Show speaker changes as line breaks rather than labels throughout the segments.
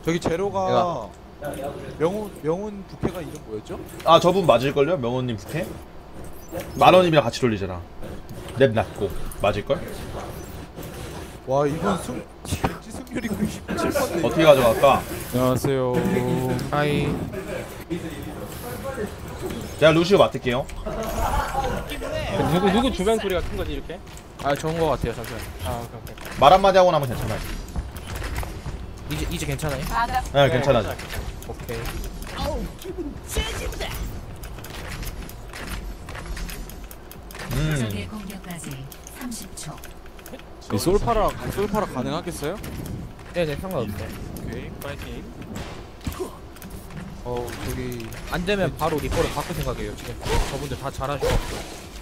저기 제로가 명훈 부캐가 이름 뭐였죠?
아 저분 맞을걸요? 명호님 부캐? 만원님이랑 같이 돌리잖아. 랩 낮고 맞을걸?
와 이번 왠지 승률이 97%인데
어떻게 가져갈까?
안녕하세요. 하이.
제가 루시오 맡을게요.
누구 주변 소리가 큰 거지 이렇게?
아 좋은 거 같아요. 잠시만.
아 오케이.
말 한마디 하고 나면 괜찮아요.
이제 괜찮아요?
네 괜찮아져.
오케이.
적의 공격까지 30초.
이 솔파라 가능하겠어요?
네네 상관없어요.
오케이.
파이팅.
저기
안 되면 바로 리퍼를 바꿀 생각이에요. 지금 저분들 다 잘하셔가지고.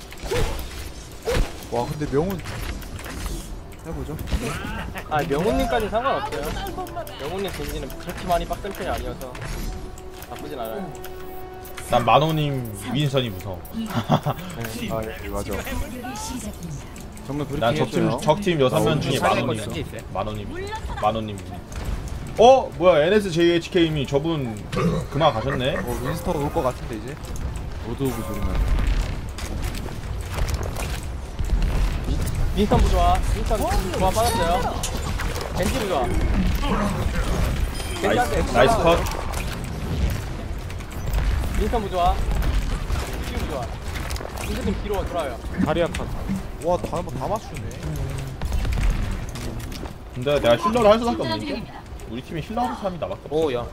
와 근데 명훈 해보죠.
아 명훈님까지 상관없어요. 명훈님 겐지는 그렇게 많이 빡센 편이 아니어서 나쁘진 않아요.
난 만호님 윈선이 무서워.
아 예, 맞아.
공격이 시작됩니다.
정말 그렇게
난
해줘요.
적팀 6명 중에
살릴 거
만호님
진짜 있어요?
만호님. 뭐야 NSJHK님이 저분 그만 가셨네.
윈스터가 올 것 같은데 이제. 로드 오브 소리만.
윈스턴 부좋아. 윈스턴 좋아 빠졌어요. 겐지 부좋아.
나이스 컷.
윈스턴 부좋아. 슈 부좋아. 윈스턴 좀 뒤로 돌아요.
다리아 칸. 와다 맞추네.
근데 내가 힐러를 할 수밖에 없는 게 우리 팀에 힐러 하는 사람이 나밖에 없어.
오야.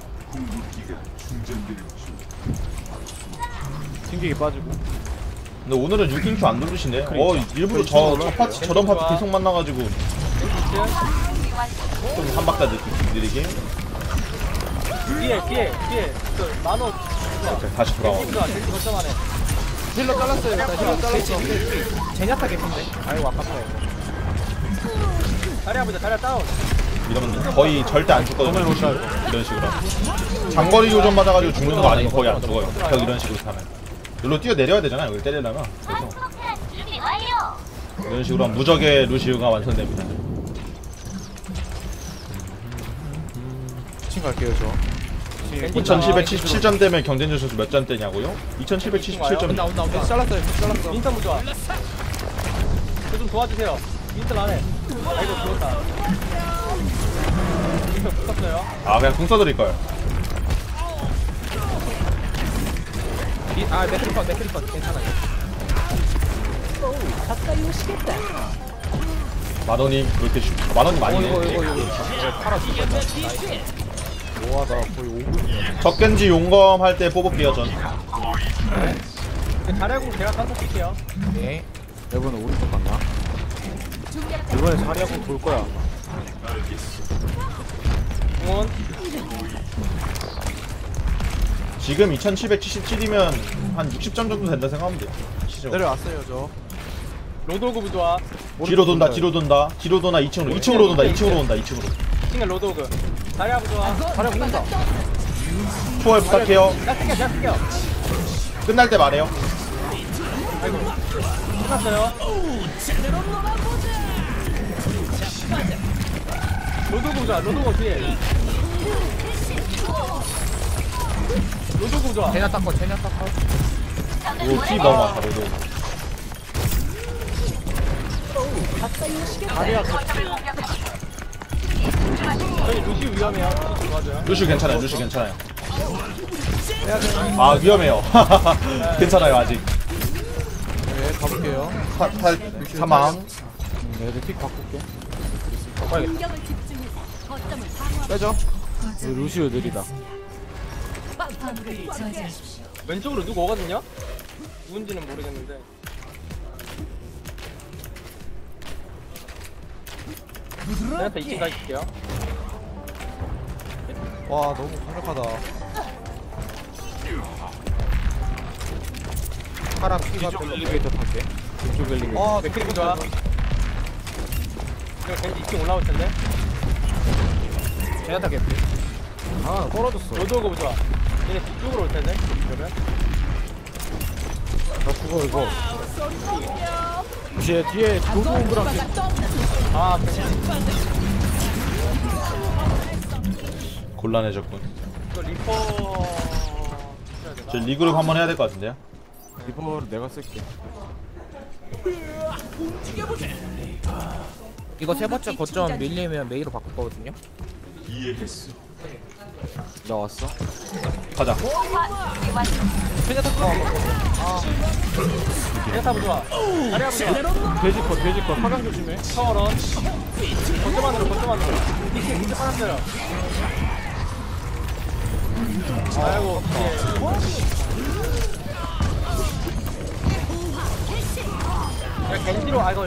튕기기 빠지고.
근데 오늘은 6인큐 안 누르시네. 일부러 저런 파티 계속 만나가지고 좀 한박자 느리게.
뒤에 그 만호
다시 돌아와.
겐지 부좋아. 겐지 거점 안에.
힐러 잘랐어요. 일단 힐러 잘랐어.
제냐타 개핀데. 아이고 아깝다.
자리야 보자. 자리야 다운.
이러면 거의 절대 안 죽거든요. 이런 식으로 장거리 교전 맞아가지고 죽는 거 아니고 거의 안 죽어요. 계속 이런 식으로 하면 여기로 뛰어 내려야 되잖아요. 여기 때리려면. 그래서 이런 식으로 하면 무적의 루시우가 완성됩니다.
2층 갈게요 저.
2777점 되면 경쟁자 선수 몇 점 되냐고요? 2777점.
온다.
잘랐어요. 잘랐어.
윈스턴 부좋아. 저 좀 도와주세요. 윈스턴 안해. 아이고 죽었다. 윈스턴 붙었어요.
아 그냥 궁 써드릴 거예요.
맥크리컷 괜찮아요.
만원님 그렇게 만원님 아니네.
팔아 죽겠다.
와 나 거의 5분.
적겐지 용검 할 때 뽑을게요 전.
자리야공 제가 딴거 쓸게요.
네.
이번에 오른쪽 갔나? 이번에 자리하고 돌 거야.
공원.
지금 2777이면 한 60점 정도 된다 생각하면 돼요. 시죠.
내려왔어요 저.
로드오그 부좋아.
뒤로 돈다. 뒤로 도나 2층으로 돈다. 2층으로 온다. 2층으로.
싱글 로드오그. 자리야 부좋아.
자리하고 온다.
초월 부탁해요.
내가 쓸게요.
끝날 때 말해요.
아이고. 끝났어요. 로드오그 부좋아. 로드오그 뒤에. 로드오그 부좋아.
제냐타 거.
오피 너무 많다. 로도.
자리야 저희 루시 위험해요. 도와줘요.
루시 괜찮아요. 아 위험해요. 괜찮아요 아직.
네 가볼게요.
사망.
애들 픽 바꿀게.
공격을 집중해서 거점을 방어하고
빼죠. 루시오 느리다.
화물을 저지하십시오.
왼쪽으로 누구 오거든요? 누군지는 모르겠는데. 저한테 2층 가실게요.
와 너무 강력하다.
파라 피가 별로.
엘리베이터 탈게. 이쪽 엘리베이터.
아, 맥크리브 좋아. 이거 왠지 2층 올라올 텐데.
제냐타 개핀.
아 떨어졌어.
로드오그 좋아. 얘네 뒤쪽으로 올 텐데. 그러면
나 죽어 이거. 뒤에 도구랑
아, 괜찮아.
곤란해졌군.
이거 리퍼 해야 되나?
저 리그룹 한번 해야 될 것 같은데요?
리퍼를 내가 쓸게.
이거 세 번째 거점 밀리면 메이로 바꿀 거거든요.
나 왔어.
가자.
대타부 좋아. 자리야 보자.
돼지컷. 화강 조심해.
파워런. 거점 안으로. 밑에 빠졌어요. 아이고. 야 겐지로 아 이거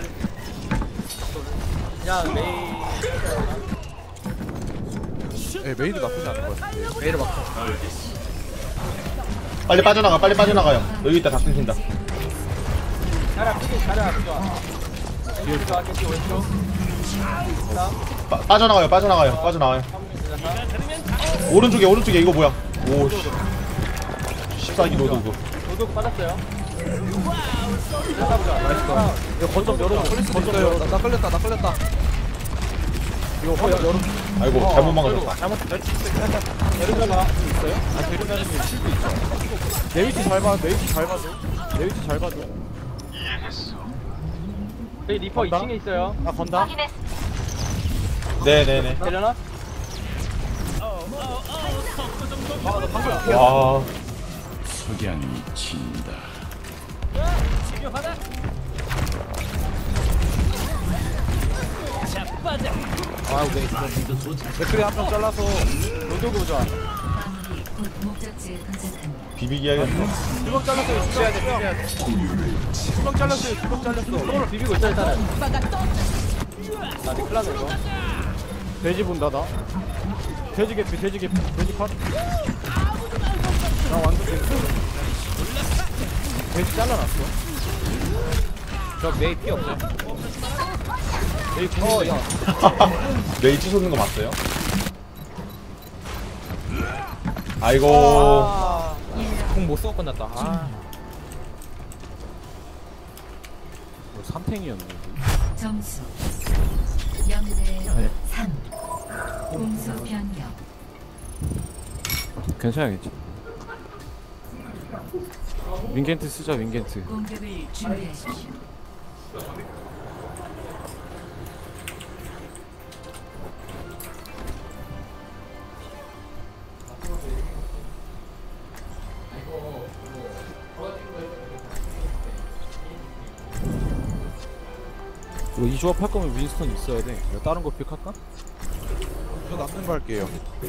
그냥 메이.
네, 메이도 나쁘지 않은 것 같아요. 메이로 바꿔.
빨리 빠져나가요. 여기 있다 다 끊긴다.
자리야 좋아. 겐지 좋아. 겐지 왼쪽.
빠져나가요. 오른쪽에 이거 뭐야? 오, 14기 로드.
도둑 빠졌어요. 대타부 좋아. 나이스.
이거 거점 열어. 나 끌렸다. 이거 열어.
아이고 잘못 막았다.
내려가봐.
내 위치 잘 봐.
저희 리퍼 2층에 있어요.
나 건다.
네네네.
되려나?
와.
아우 메이.
댓글에 한 명 잘라서 로드 보자.
마무리 곧 목적지에 도착합니다.
비비기 해야겠어.
두명 잘랐어요. 두명 잘렸어.
서로 비비고 있어 일단은. 나 큰일 났네 이거.
돼지 본다 나. 돼지 컷. 나 완전 돼지 잘라놨어.
저 메이 피 없어요.
에이 야.
메이치 솟는 거 봤어요? 아이고.
공못 쓰고 끝났다. 아.
뭐 3탱이었네.
점수 0대 3. 공수 변경.
괜찮겠지. 윙겐트 쓰자.
공격을 준비하십시오.
이거 이 조합 할 거면 윈스턴 있어야 돼. 내가 다른 거 픽할까?
저 남는 거 할게요.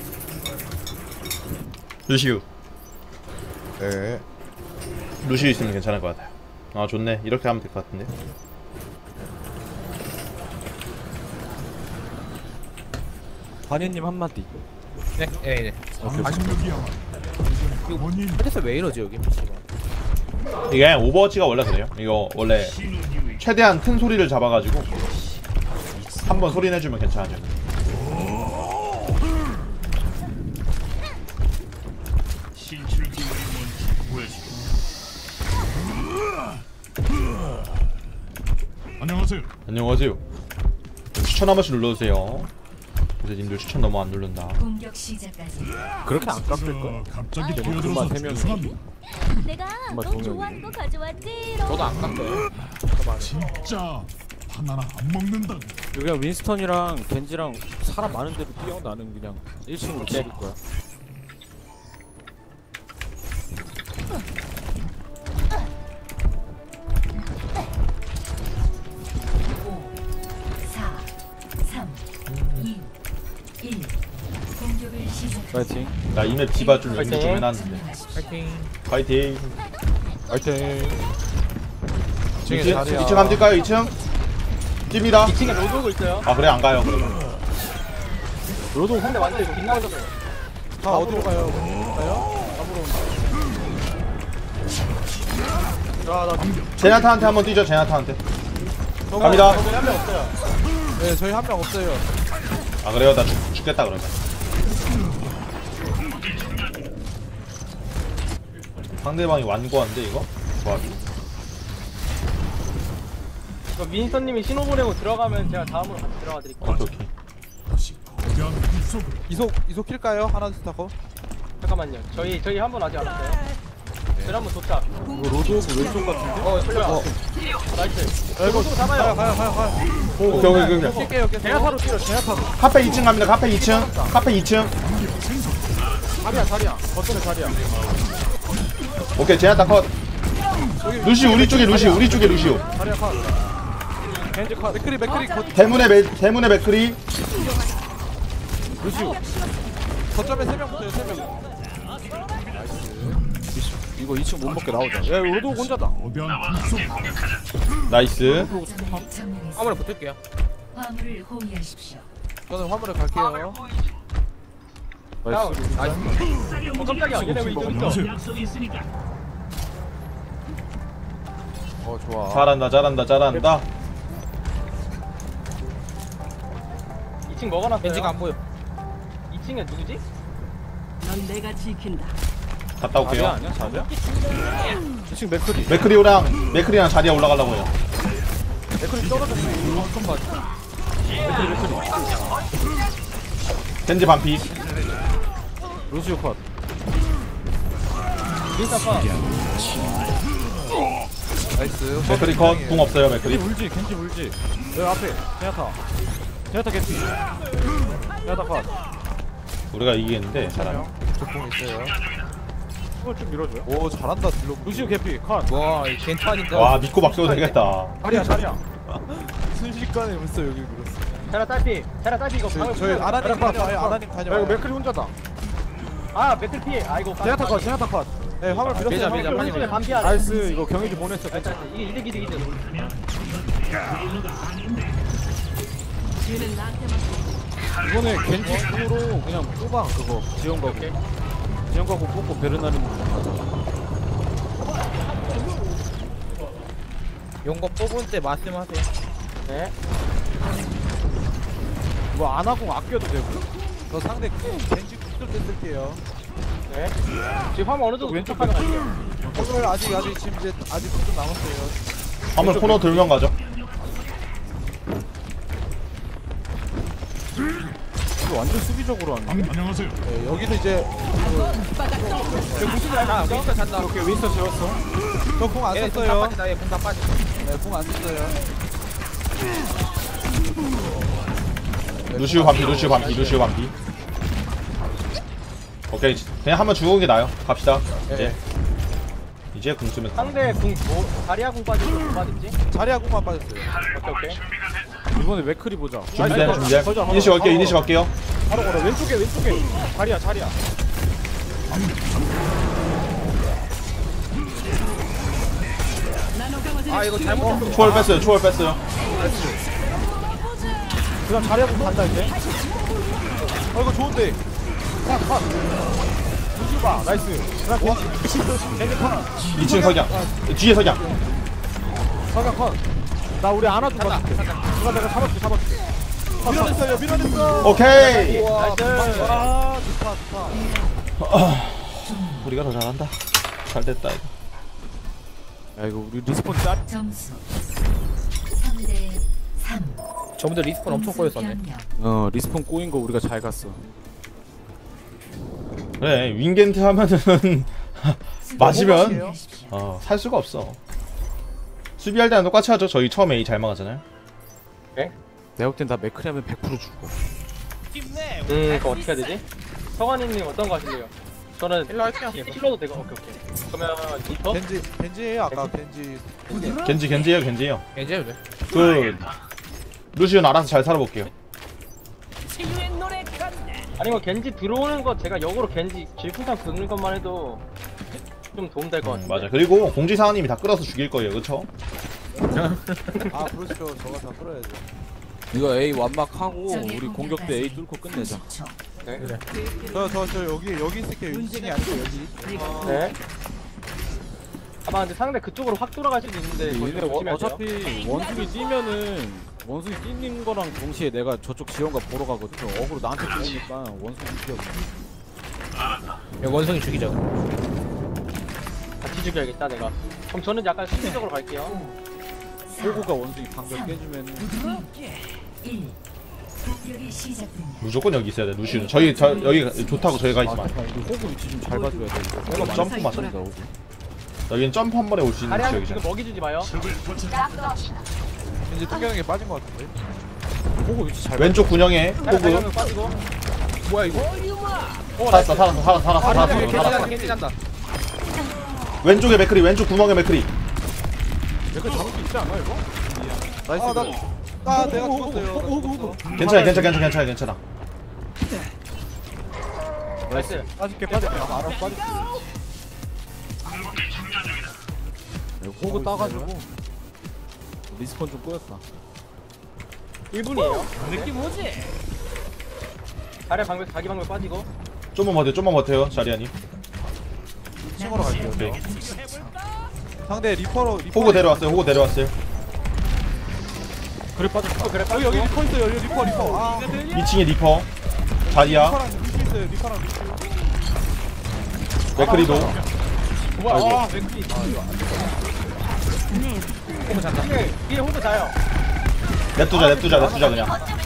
루시우
네.
있으면 괜찮을 것 같아요. 아 좋네. 이렇게 하면 될 것 같은데.
관현님 한마디.
네. 그래서 왜 이러지 여기 미치가.
이게 오버워치가 원래 그래요. 이거 원래 최대한 큰 소리를 잡아가지고 한번 소리 내주면 괜찮아져. 안녕하세요. 추천 한 번씩 눌러주세요. 그래서 님들 추천 너무 안 누른다.
공격 시작까지.
그렇게 안 깎을 거야.
갑자기
금방
뛰어들어서
3명이.
죄송합니다.
내가 너
정말
좋아하는 거 가져왔지.
저도 안 깎여요.
진짜 하나나 안 먹는다.
그냥 윈스턴이랑 겐지랑 사람 많은 데로 뛰어. 나는 그냥 1층으로 때릴 거야.
공격을 시작.
파이팅.
나 이맵 디바 좀 연습 좀
파이팅.
해놨는데.
파이팅.
파이팅.
파이팅.
2층 한번 뛸까요? 2층? 뜁니다.
2층에 로드오고 있어요.
아 그래 안 가요. 그러면.
로드
근데 완전 빗나가서
다 어디로 가요? 가요? 잡으러 온다.
제나타한테 한번 뛰죠. 제나타한테. 갑니다.
저기 한명 없어요.
네, 저희 한 명 없어요.
아 그래요? 나 죽겠다 그러면. 상대방이 완고한데 이거? 조합이.
이거 민서님이 신호 보내고 들어가면 제가 다음으로 같이 들어가 드릴게요.
오케이.
다시 거대한
이속 킬까요? 하나 둘 타고.
잠깐만요. 저희 한 번 아직 안 왔어요. 저희 한번 도착.
이거 로드 오브 왼쪽 같은데?
풀려. 나이스.
이거
잡아요.
가요.
오케이.
킬게요.
제나타로 뛰어 제나타로.
카페 2층 갑니다. 카페 2층. 카페 2층.
자리야 거점에 자리야.
오케이, 제나타 컷. 루시우 우리 쪽에 루시우.
자리야 컷. 겐지 컷.
맥크리
대문의 맥크리.
루시우.
거점에 3명 붙어요. 3명.
이거 2층 못 먹게 나오자. 야 로드 오브 혼자다.
어변 불속.
나이스.
거점을 점령했습니다.
화물에 붙을게요.
화물을 호위하십시오.
저는 화물에 갈게요.
나이스.
깜짝이야. 얘네 왜 이쪽 있어?
좋아.
잘한다.
2층 먹어놨어요.
벤지가 안 보여.
2층에 누구지?
넌 내가 지킨다.
갔다 올게요.
아니야 자리야? 2층 맥크리.
맥크리랑 자리야 올라가려고 해요.
맥크리 떨어졌어. 좀 봐. 맥크리.
겐지 반피.
루시우 컷.
윈스턴 컷.
나이스.
맥크리 컷. 궁 없어요, 맥크리.
겐지 울지. 여기 앞에 제나타 겐지. 제나타 컷.
우리가 이기겠는데 잘하네.
조공 있어요.
이걸 좀 밀어줘요.
오 잘한다 딜로.
루시우 개피 컷.
와, 이 괜찮은데.
와, 믿고 맡겨도 되겠다.
자리야.
순식간에 벌써 여기 밀었어.
테라 딸피 이거 방을
저희
보세요.
아나님 다녀와요. 아나님
야
다녀와요.
이거 맥크리 혼자다.
아 맥클 피해. 아이고.
제나타 컷.
네 화물 밀었어요.
밀자,
화물
빨리
밀었어요.
밀자.
반피야.
나이스. 이거 경희지 보냈어. 괜찮아.
이게 이득.
이번에 겐지 으로 그냥 뽑아 그거 지원 가고 뽑고 베르나르
용거 뽑을 때 말씀하세요.
네.
뭐 안 하고 아껴도 되고.
저 상대 겐지 국들 때 쓸게요.
네. 지금 화면 어느 정도
왼쪽
왼쪽하면 갈게요.
오늘 아직 지금 이제 아직 좀 남았어요.
한번 코너 돌면 가죠.
이거 완전 수비적으로 하는.
안녕하세요.
네, 여기도 이제
자, 윈스턴 잔다.
오케이 윈스터 지웠어.
저공 안
얘 공다
썼어요.
빠진다. 얘 공다 빠져.
네, 공 안 썼어요.
루시우 반피. 오케이, 그냥 한번 죽은 게 나아요. 갑시다. 이제 궁 쓰면
상대 궁 다리아 궁 빠지고 뭐 빠졌지?
자리야 공만 빠졌어요.
오케이.
이번에 맥크리 보자.
준비돼.
걸자,
이니시 갈게요.
바로 걸어. 왼쪽에. 자리야.
아, 이거 잘못.
초월 뺐어요.
그다음 자리하고 간다 이제.
이거 좋은데.
루시우 봐. 나이스. 그다음 겐지 컷.
2층 석양. 뒤에 석양.
사각 컷. 나 우리 안아줘 봐. 내가 잡아줄게.
밀어냈어요.
오케이.
나이스.
아 좋다.
우리가 더 잘한다. 잘 됐다 이거.
야 이거 우리 리스폰 짤.
점수 3대 3.
저분들 리스폰 엄청 꼬였었네.
리스폰 꼬인 거 우리가 잘 갔어.
그래, 윙겐트 하면은 맞으면 살 수가 없어. 수비할 때는 똑같이 하죠. 저희 처음에 A 잘 막았잖아요.
내가 볼 땐 다 맥크리 하면 100% 죽어.
그거 어떻게 해야 되지? 성환이님 어떤 거 하실래요? 저는
일로 할게요.
힐러도 되고. 오케이. 그러면 리퍼?
겐지예요 아까 겐지.
겐지예요.
이제 그래.
그 루시온 알아서 잘 살아볼게요.
아니면 겐지 들어오는 거 제가 역으로 겐지 질풍탕 긁는 것만 해도 좀 도움 될 것 같아요.
맞아. 그리고 공지사원님이 다 끌어서 죽일 거예요. 그쵸?
아 그렇죠. 저거 다 끌어야죠.
이거 A 완막하고 우리 공격 때 A 뚫고 끝내자.
네.
저 여기 있을게요. 윤진이 아니고 여기.
네. 아마 근데 상대 그쪽으로 확 돌아갈 수도 있는데 거기
얘네
좀 조심해야 돼요.
어차피 원숭이 뛰면은 원숭이 뛰는 거랑 동시에 내가 저쪽 지원가 보러 가거든. 어그로 나한테 뛰니까 원숭이 뛰어.
여기 원숭이 죽이자.
같이 죽여야겠다 내가. 그럼 저는 약간 수비적으로 갈게요.
호구가 원숭이 방벽 깨주면은
1. 공격이 시작됩니다.
무조건 여기 있어야 돼 루시는. 여기 좋다고 저희가 있지만
호구 위치 좀 잘 봐줘야 돼 이거.
호구 점프 맞춰.
호구.
여기는 점프 한 번에 올 수 있는
자리야
지역이잖아.
지금 먹이 주지 마요.
이제 뚱경에게 빠진 것 같은데.
호구 위치 잘
왼쪽 군영에
자리
호그.
가면 빠지고.
뭐야 이거?
살았어.
깬다.
왼쪽에 맥크리, 왼쪽 구멍에 맥크리.
이거 잡을 수 있지 않아 이거? 나이스.
내가 죽었어요.
괜찮아.
나이스.
빠질게. 알아 빠질게. 호구 따가지고 리스폰 좀 꼬였다.
1분이에요. 느낌 오지? 자리 방벽 자기 방벽 빠지고.
좀만 버텨요, 자리아님.
2층으로 갈게요.
오케이.
상대 리퍼로
호그 데려왔어요.
그래 빠졌다.
그래
여기
빠지고.
리퍼 있어요. 여기 리퍼. 아
2층에 리퍼, 자리아,
리퍼랑 루시 있어요. 리퍼랑 루시.
맥크리도.
와 맥이. 호구 잔다. 위에 호구 자요.
냅두자 그냥.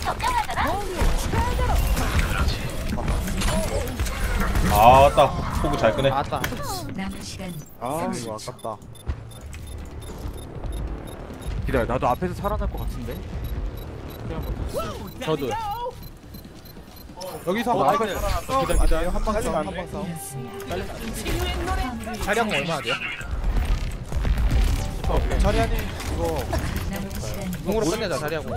아따, 호그 잘 끄네.
아따.
남은 시간
아 이거 아깝다.
기다려. 나도 앞에서 살아날 것 같은데. 저도.
여기서
나이스.
기다려. 한방 싸움.
자리한 거 얼마나 돼요?
자리아님 이거
남은 시간
공으로 끝내자 자리하고.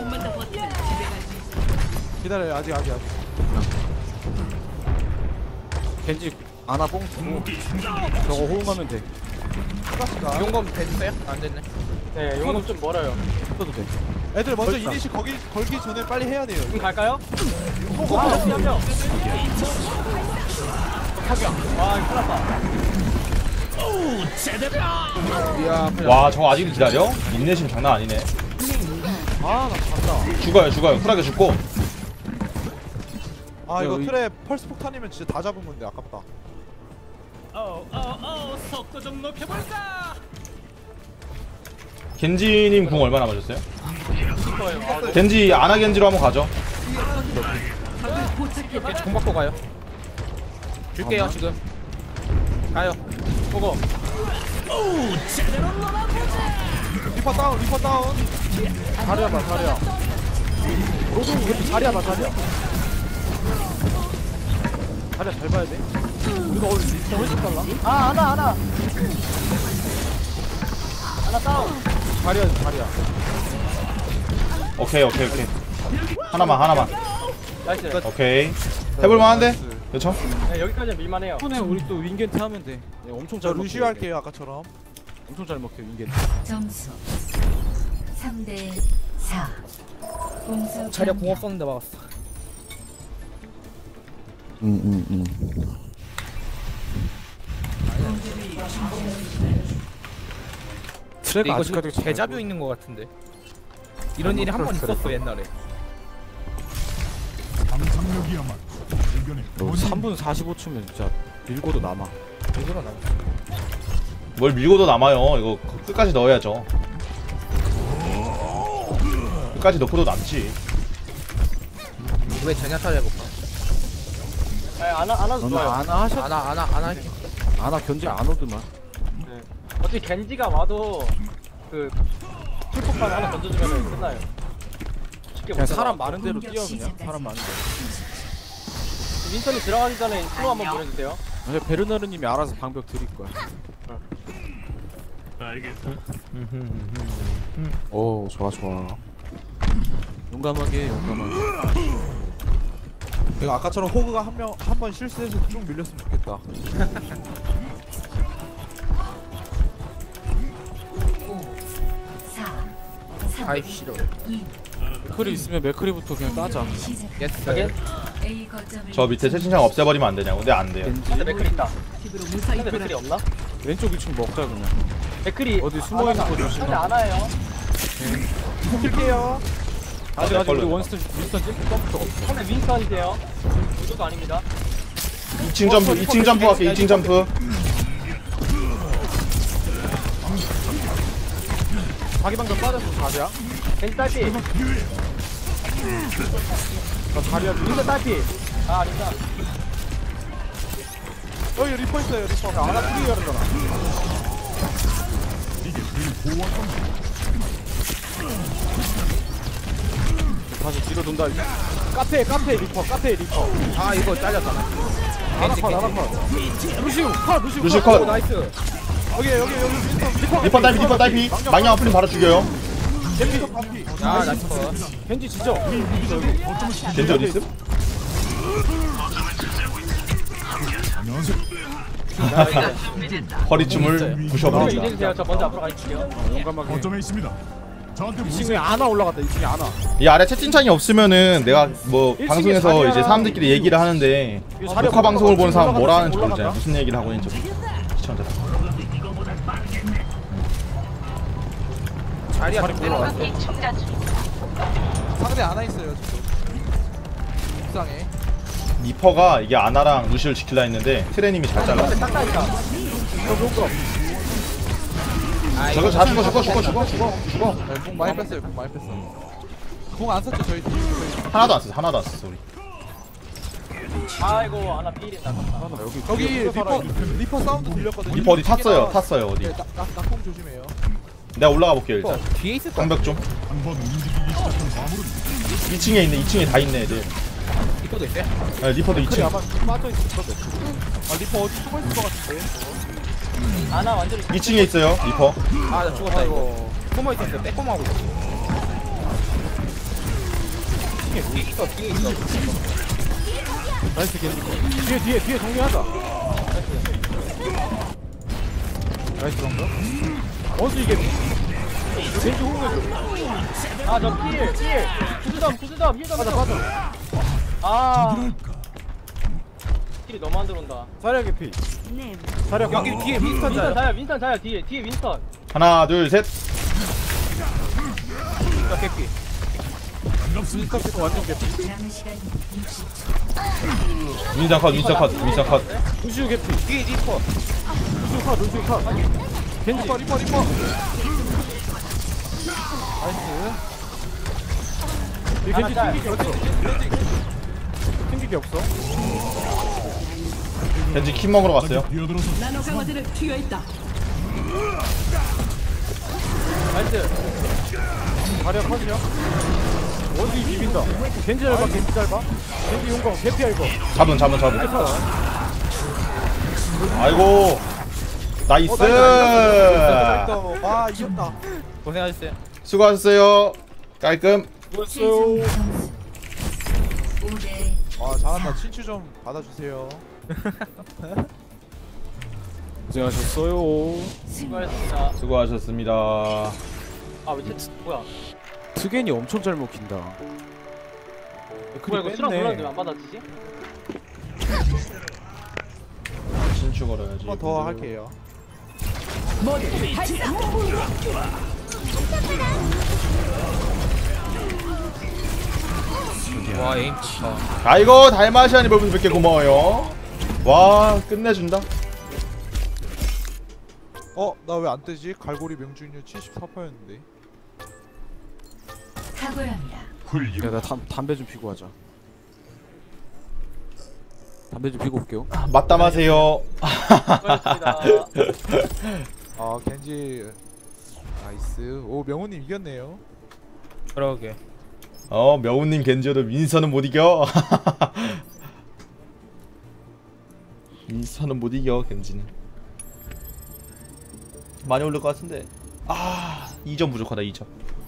기다려요. 아직.
겐지 아나 뽕 주고 저거 호응하면 돼.
용검 됐어요? 안 됐네.
네 용금 좀 멀어요.
써도 돼.
애들 먼저 이니시 걸기 전에 빨리 해야 돼요.
지금 갈까요? 호구 한 명. 와 이거 큰일났다.
와, 저거 아직도 기다려? 인내심 장난 아니네.
아나 간다.
죽어요. 쿨하게 죽고.
아 이거
이-
틀에 펄스 폭탄이면 진짜 다 잡은 건데 아깝다.
겐지님 궁 얼마 남으셨어요?
좋아요.
겐지 아나 겐지로 한번 가죠.
공 받고 가요. 줄게요 지금. 가요.
호구.
리퍼 다운.
자리야. 로드 겐지 자리야. 자리야 잘 봐야 돼. 우리가 오늘 리스폰 훨씬 빨라.
하나 다운.
자리야.
오케이. 하나만.
나이스.
오케이. 해볼만한데? 그렇죠?
네, 여기까지는 밀만해요.
이번에 우리 또 윙겐트 하면 돼. 네, 엄청
저
잘
루시오
먹혀요.
할게요 아까처럼.
엄청 잘 먹혀 윙겐트.
점수 3대 4. 공수
자리야 공 없었는데 막았어.
트랙
이거
아직까지
지금 대자뷰 있는 거 같은데. 이런 일이 한 번 있었어 옛날에.
상상력이야말로 의견의
3분 45초면 진짜 밀고도 남아.
제대로 나.
뭘 밀고도 남아요. 이거 끝까지 넣어야죠. 끝까지 넣고도 남지.
왜 제냐타 해볼까?
안아도
너는
좋아요.
아나 하셨?
안 할게.
아나 견제 안 오더만.
어차피 겐지가 와도 그 풀폭탄 하나 던져주면 끝나요. 쉽게
그냥
못
사람
잡아.
많은 대로
공격
뛰어 그냥.
시작까지.
사람 많은 대로.
윈턴이 들어가기 전에 슬로우 한번 보내주세요.
근데 베르나르님이 알아서 방벽 드릴 거야. 오 좋아. 용감하게.
이거 아까처럼 호그가 한 번 실수해서 쭉 밀렸으면 좋겠다.
4
아이 싫어.
2
맥크리 있으면 맥크리부터 그냥 따자.
시작.
예스.
A 거점을
저 밑에 채팅창 없애버리면 안 되냐고. 근데 안 돼요.
겐지
근데 맥클이 있다. 근데 맥클이 없나?
왼쪽 2층 먹자 그냥.
맥클이
어디 숨어 있는 거 조심하.
근데 안 와요.
킬게요.
아직 우리
걸려.
윈스턴 점프가 없어.
근데 윈턴이세요. 유도가 아닙니다.
2층 점프 할게. 2층 점프.
자기 방벽 빠졌어 자리야.
겐지 딸피.
나 자리야
윈선 딸피. 아 아니다.
여기 리퍼 있어요 리퍼.
하나 프리 열었잖아. 다시 뒤로 돈다. 카페 리퍼.
아 이거 잘렸다.
루시우
루시우 컷.
나이스.
여기
리퍼 딸피 망령 아플림 바로 죽여요.
아 나이스.
겐지 진짜.
겐지 어디 있음? 허리춤을 부셔버린다.
이제주세요. 저 먼저 앞으로 가있을게요.
용감하게.
거점에 있습니다. 저한테
2층에 아나 올라갔다. 2층에 아나.
이 아래 채팅창이 없으면은 내가 뭐
일찍이
방송에서
자리야.
이제 사람들끼리 얘기를 하는데
자리야
녹화 방송을 보는 사람
올라가자.
뭐라 하는지
올라가자.
모르잖아. 무슨 얘기를 하고 있는지 시청자.
자리야.
상대 안와 있어요 지금. 옥상에.
리퍼가 이게 아나랑 루시를 지킬라 했는데 트레님이 잘 잘랐어.
딱딱이다.
저거 다 죽어.
네, 공 많이 뺐어요. 공 많이 뺐어. 공 안 썼죠 저희 팀.
하나도 안 썼어 우리.
아이고 하나 필이다.
여기 리퍼 사운드 들렸거든요.
리퍼 어디 탔어요 어디.
네, 낙공 조심해요.
내가 올라가 볼게요 일단.
뒤에 있을 거.
방벽 좀.
한번 움직이기 시작한 화물은
2층에 다 있네 애들.
이거도 있어요?
네, 리퍼도 2층.
아마 빠져있었거든.
아 리퍼 어디 숨어 있을 것 같은데.
하나 완전히
2층에 있어요 리퍼.
아나 죽었다 이거. 숨어 있었는데 빼꼼하고 있어. 뒤에 있어.
나이스 겐지. 뒤에 정리하자. 나이스 정도. 원수 이게 겐지 호응해줘.
아저 필. 구수점 힐점.
빠져.
아 필이 너무 안 들어온다.
자리야 개피. 자리야
여기 뒤에 윈스턴 자요.
윈스턴 자요 뒤에 윈스턴.
하나 둘 셋.
개피.
완전 개피.
남은 시간 60초.
윈스턴 컷.
루시우 개피.
뒤에 리퍼.
루시우 컷. 겐지.
리퍼.
이 겐지 튕기기 없어.
겐지 킴 먹으러 갔어요.
뛰어들어서
나이스.
자리야 컷이야. 원수 비빈다. 겐지 짧아. 겐지 용광 개피야 이거.
잡은. 아이고 나이스.
와 이겼다.
고생하셨어요.
수고하셨어요. 깔끔.
수고했어요.
점수 5대
와 잘한다. 친추 좀 받아주세요.
고생하셨어요.
수고하셨습니다.
수고하셨습니다.
아왜 뭐야?
트겐이 엄청 잘 먹힌다.
뭐야 이거 수랑 몰랐는데 왜 안 받아지지?
신축 걸어야지.
한 번 더 할게요.
와 에임 좋다.
아이고 달마시아니 벌써 100개 고마워요. 와 끝내준다.
나 왜 안 뜨지? 갈고리 명중률 74%였는데.
탁월합니다.
훌륭.
야, 나 담배 좀 피고 하자. 담배 좀 피고 올게요.
맞담하세요.
수고하셨습니다.
아 겐지 나이스. 오 명훈님 이겼네요.
그러게.
명훈님 겐지어도 민서는 못 이겨. 민서는 못 이겨 겐지는. 많이 올릴 것 같은데. 2점 부족하다 2점.